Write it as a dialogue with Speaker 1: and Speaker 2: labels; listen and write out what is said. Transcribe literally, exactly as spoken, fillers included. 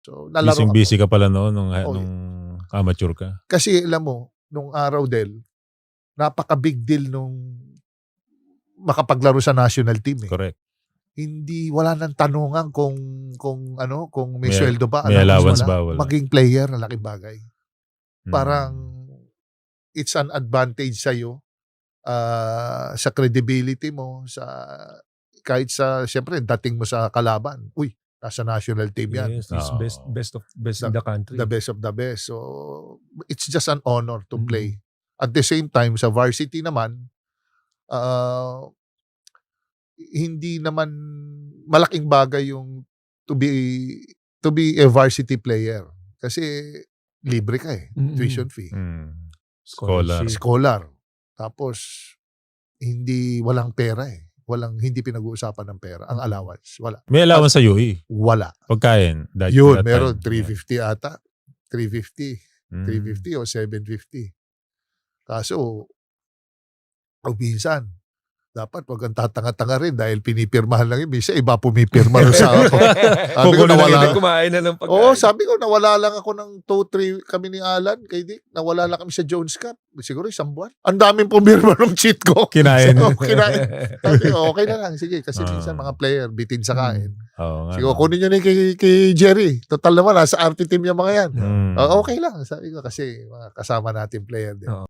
Speaker 1: So, lalaro ako.
Speaker 2: Busy-busy ka pala noon nung,
Speaker 1: Oo.
Speaker 2: nung amateur ka.
Speaker 1: Kasi alam mo, nung araw Del, napaka-big deal nung makapaglaro sa national team eh.
Speaker 2: Correct.
Speaker 1: Hindi, wala nang tanungan kung, kung ano, kung may,
Speaker 2: May-
Speaker 1: sweldo ba.
Speaker 2: may allowance
Speaker 1: wala.
Speaker 2: ba, wala.
Speaker 1: Maging player, laking bagay.
Speaker 2: Hmm.
Speaker 1: Parang, it's an advantage sa'yo, uh, sa credibility mo, sa, kahit sa, syempre, dating mo sa kalaban. Uy, nasa national team yan.
Speaker 3: Yes, he's
Speaker 2: Oo.
Speaker 3: best best of best
Speaker 1: The-
Speaker 3: in the country.
Speaker 1: The best of the best. So, it's just an honor to
Speaker 3: Mm.
Speaker 1: play. At the same time, sa varsity naman, uh, hindi naman malaking bagay yung to be to be a varsity player. Kasi libre ka eh.
Speaker 3: Mm-mm.
Speaker 1: Tuition fee.
Speaker 2: Hmm. Scholar.
Speaker 3: Scholarship.
Speaker 1: Scholar. Tapos, hindi, walang pera eh. Walang, hindi pinag-uusapan ng pera. Ang allowance, wala.
Speaker 2: May allowance sa U E.
Speaker 1: Wala.
Speaker 2: Pagkain. That,
Speaker 1: Yun,
Speaker 2: that
Speaker 1: meron
Speaker 2: time.
Speaker 1: three fifty ata. three fifty.
Speaker 2: Hmm.
Speaker 1: three fifty o seven fifty. Kaso, o minsan, dapat wag kang tatanga-tanga rin dahil pinipirmahan lang yun. Minsan, iba pumipirma rin sa ako. Sabi ko,
Speaker 2: Kukunin lang
Speaker 1: nawala.
Speaker 3: Hindi kumain na ng pagkain.
Speaker 1: Oo, sabi ko, nawala lang ako ng two three kami ni Alan, kay Dick. Nawala lang kami sa Jones Cup. Siguro isang buwan. Ang daming pumirma ng cheat ko.
Speaker 2: Kinain.
Speaker 1: So, kinain. Sabi ko, okay na lang. Sige, kasi
Speaker 2: Ah.
Speaker 1: minsan mga player, bitin sa kain.
Speaker 2: Oo nga.
Speaker 1: Sige, kunin nyo na yung kay, kay Jerry. Total naman, nasa R T team yung mga yan.
Speaker 2: Hmm.
Speaker 1: Oh, okay lang, sabi ko, kasi mga kasama natin player din.
Speaker 3: Oo.